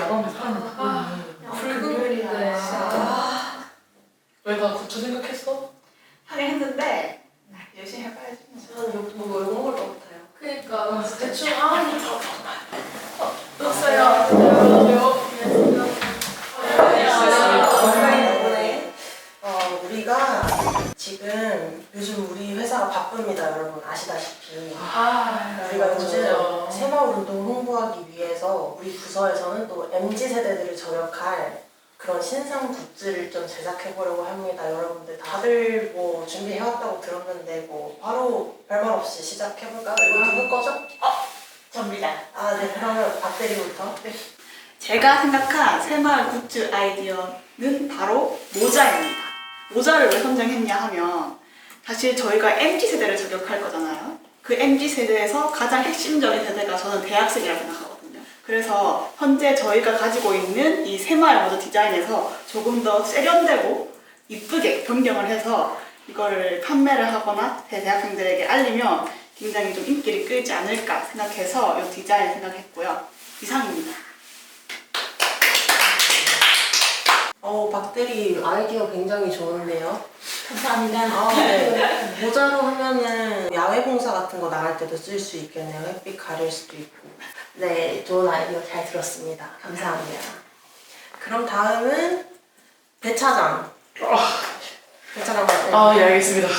야광의 사람을 바꾸는 붉은 별이야. 왜 나 고추 생각했어? 하긴 했는데 열심히 해봐야지. 저는 뭐 이거 먹을 것 같아요. 그니까 대충 넣었어요. 덕분에 우리가 지금 요즘 우리 회사가 바쁩니다, 여러분 아시다시피. 우리가 요즘 새마을운동 홍보하기 위해서 우리 부서에서는 또 MZ세대들을 저격할 그런 신상 굿즈를 좀 제작해보려고 합니다. 여러분들 다들 뭐 준비해왔다고 들었는데 뭐 바로 별말 없이 시작해볼까요? 이거 누구 거죠? 접니다. 네, 그러면 박대리부터. 네. 제가 생각한 새마을 굿즈 아이디어는 바로 모자입니다. 모자를 왜 선정했냐 하면 사실 저희가 MZ세대를 저격할 거잖아요. 그 MZ세대에서 가장 핵심적인 세대가 저는 대학생이라고 생각하거든요. 그래서 현재 저희가 가지고 있는 이 새마을 모자 디자인에서 조금 더 세련되고 이쁘게 변경을 해서 이거를 판매를 하거나 대학생들에게 알리면 굉장히 좀 인기를 끌지 않을까 생각해서 이 디자인 생각했고요. 이상입니다. 박대리 아이디어 굉장히 좋은데요. 감사합니다. 네. 모자로 하면은 야외 봉사 같은 거 나갈 때도 쓸 수 있겠네요. 햇빛 가릴 수도 있고. 네, 좋은 아이디어 잘 들었습니다. 감사합니다. 그럼 다음은 배차장. 배차장 맞아요? 예, 알겠습니다.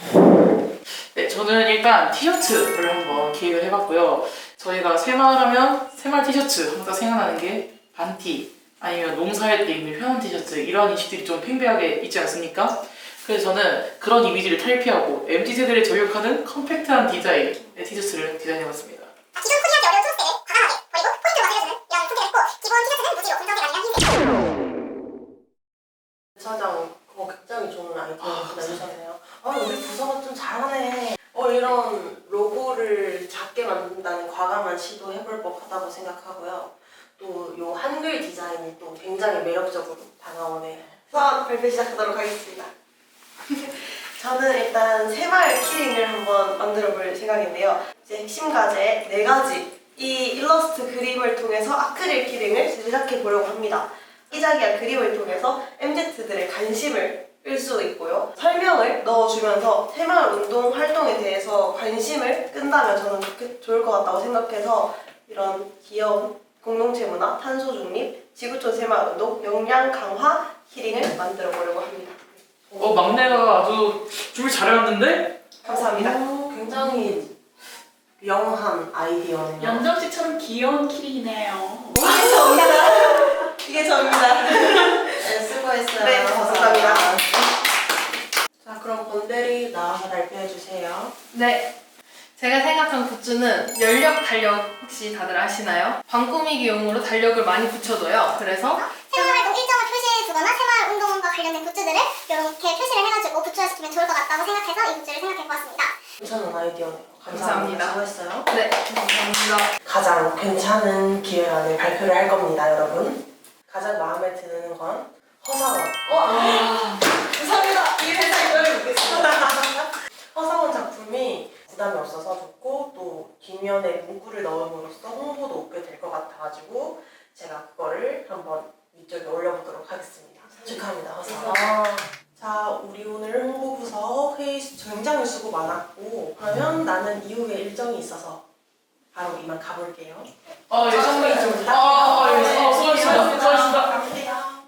네, 저는 일단 티셔츠를 한번 기획을 해봤고요. 저희가 새마을하면 새마을 티셔츠 항상 생각나는 게 반티 아니면 농사할 때 입는 편한 티셔츠 이런 인식들이 좀 팽배하게 있지 않습니까? 그래서 저는 그런 이미지를 탈피하고 MZ세대를 저격하는 컴팩트한 디자인의 티셔츠를 디자인해봤습니다. 기존 코디하기 어려운 초록색을 과감하게 버리고 포인트로 맞춰주는 이런 선택을 했고 기본 티셔츠는 무지로 분석이 아니라 흰색. 배차장 그거 굉장히 좋은 아이디어 내주셨네요. 우리 부서가 좀 잘하네. 이런 로고를 작게 만든다는 과감한 시도 해볼 법하다고 생각하고요. 또 요 한글 디자인이 또 굉장히 매력적으로 다가오네요. 우선 발표 시작하도록 하겠습니다. 저는 일단 새마을 키링을 한번 만들어 볼 생각인데요. 이제 핵심 과제 4가지 이 일러스트 그림을 통해서 아크릴 키링을 제작해 보려고 합니다. 이자기야 그림을 통해서 MZ들의 관심을 끌 수 있고요. 설명을 넣어주면서 새마을 운동 활동에 대해서 관심을 끈다면 저는 좋을 것 같다고 생각해서 이런 귀여운 공동체 문화, 탄소 중립, 지구촌 새마을 운동, 역량 강화 키링을 만들어 보려고 합니다. 막내가 아주 준비 잘해왔는데? 감사합니다. 굉장히 영한 아이디어네요. 연정씨처럼 귀여운 키링이네요. 이게 저입니다. 이게 저입니다. 네, 수고했어요. 네, 감사합니다. 자, 그럼 권대리 나와서 발표해주세요. 네. 제가 생각한 굿즈는 연력 달력 혹시 다들 아시나요? 방꾸미기용으로 달력을 많이 붙여둬요. 그래서 새마을활동 일정을 표시해두거나 새마을 운동과 관련된 굿즈들을 이렇게 표시를 해가지고 부처시키면 좋을 것 같다고 생각해서 이 굿즈를 생각해보았습니다. 괜찮은 아이디어네요. 감사합니다. 수고했어요. 네, 감사합니다. 가장 괜찮은 기획안을 발표를 할 겁니다, 여러분. 가장 마음에 드는 건 허사원. 감사합니다. 이 회사 이걸 묻겠습니다. 허사원 작품이 부담이 없어서 좋고 또 뒷면에 문구를 넣음으로써 홍보도 얻게 될 것 같아가지고 제가 그거를 한번 위쪽에 올려보도록 하겠습니다. 축하합니다, 허사원. 자, 우리 오늘 홍보부서 회의 굉장히 수고 많았고 그러면 나는 이후에 일정이 있어서 바로 이만 가볼게요. 예정이 좀 수고하셨습니다. 수고하셨습니다.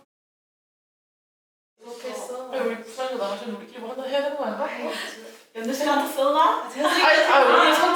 이렇게 했어. 우리 부산에서 나가시면 우리끼리 뭐 하나 해야 되는 거 아닌가? 연주씨한테 써나? 우리